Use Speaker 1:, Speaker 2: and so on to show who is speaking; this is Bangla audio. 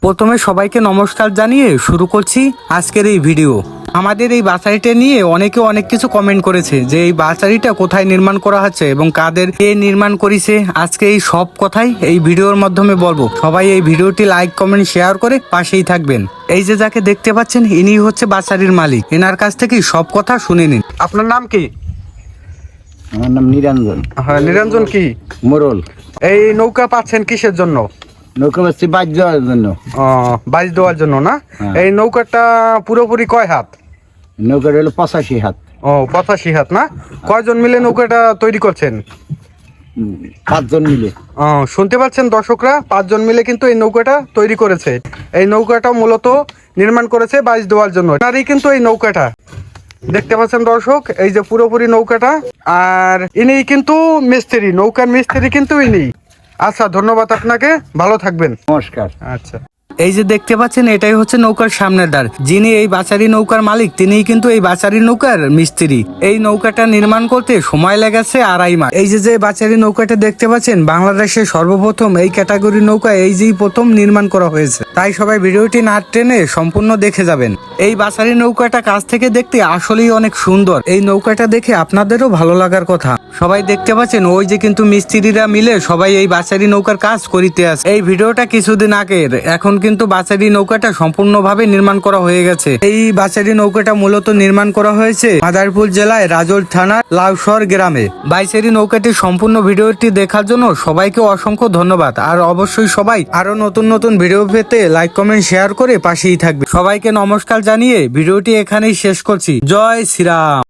Speaker 1: প্রথমে সবাইকে নমস্কার জানিয়ে শুরু করছি আজকের এই ভিডিও। আমাদের এই বাসারিটা নিয়ে অনেকে অনেক কিছু কমেন্ট করেছে যে এই বাসারিটা কোথায় নির্মাণ করা হচ্ছে এবং কাদের কে নির্মাণ করেছে। আজকে এই সব কথাই এই ভিডিওর মাধ্যমে বলবো। সবাই এই ভিডিওটি লাইক কমেন্ট শেয়ার করে পাশেই থাকবেন। এই যে যাকে দেখতে পাচ্ছেন ইনি হচ্ছে বাসারির মালিক। এনার কাছ থেকে সব কথা শুনে নিন। আপনার নাম কি?
Speaker 2: আমার নাম নিরঞ্জন
Speaker 1: হ্যাঁ, নিরঞ্জন কি
Speaker 2: মোরল।
Speaker 1: এই নৌকা পাচ্ছেন কিসের জন্য?
Speaker 2: নৌকা বাসছি বাজ যাওয়ার জন্য।
Speaker 1: বাইচ দেওয়ার জন্য না?
Speaker 2: হ্যাঁ।
Speaker 1: এই নৌকাটা পুরোপুরি কয় হাত?
Speaker 2: নৌকাটা হলো 85 হাত।
Speaker 1: 85 হাত না? কয়জন মিলে নৌকাটা তৈরি করছেন?
Speaker 2: 5 জন মিলে।
Speaker 1: শুনতে পাচ্ছেন দর্শকরা, 5 জন মিলে কিন্তু এই নৌকাটা তৈরি করেছে। এই নৌকাটা মূলত নির্মাণ করেছে বাইচ দেওয়ার জন্য। এনারই কিন্তু এই নৌকাটা দেখতে পাচ্ছেন দর্শক, এই যে পুরোপুরি নৌকাটা। আর ইনি কিন্তু মিস্ত্রি, নৌকার মিস্ত্রি কিন্তু ইনি। আচ্ছা, ধন্যবাদ আপনাকে, ভালো থাকবেন।
Speaker 2: নমস্কার।
Speaker 1: আচ্ছা, এই যে দেখতে পাচ্ছেন এটাই হচ্ছে নৌকার সামনের দ্বার। যিনি এই বাচারি নৌকার মালিক তিনিই কিন্তু এই বাচারি নৌকার মিস্ত্রি। এই নৌকাটা নির্মাণ করতে সময় লেগেছে 2.5 মাস। এই যে বাচারি নৌকাটা দেখতে পাচ্ছেন বাংলাদেশে সর্বপ্রথম এই ক্যাটাগরি নৌকা এই যেই প্রথম নির্মাণ করা হয়েছে। তাই সবাই ভিডিওটি না টেনে সম্পূর্ণ দেখে যাবেন। এই বাচারি নৌকাটা কাছ থেকে দেখতে আসলেই অনেক সুন্দর। এই নৌকাটা দেখে আপনাদেরও ভালো লাগার কথা। সবাই দেখতে পাচ্ছেন ওই যে কিন্তু মিস্ত্রিরা মিলে সবাই এই বাচারি নৌকার কাজ করিতে আছে। এই ভিডিওটা কিছুদিন আগের। এখন কিন্তু বাচারি নৌকাটা সম্পূর্ণভাবে নির্মাণ করা হয়ে গেছে। এই বাচারি নৌকাটা মূলত নির্মাণ করা হয়েছে মাদারীপুর জেলায় রাজোল থানার লাউসর গ্রামে। বাচারি নৌকাটির সম্পূর্ণ ভিডিওটি দেখার জন্য সবাইকে অসংখ্য ধন্যবাদ। আর অবশ্যই সবাই আরো নতুন নতুন ভিডিও পেতে লাইক কমেন্ট শেয়ার করে পাশেই থাকবে। সবাইকে নমস্কার জানিয়ে ভিডিওটি এখানেই শেষ করছি। জয় শ্রীরাম।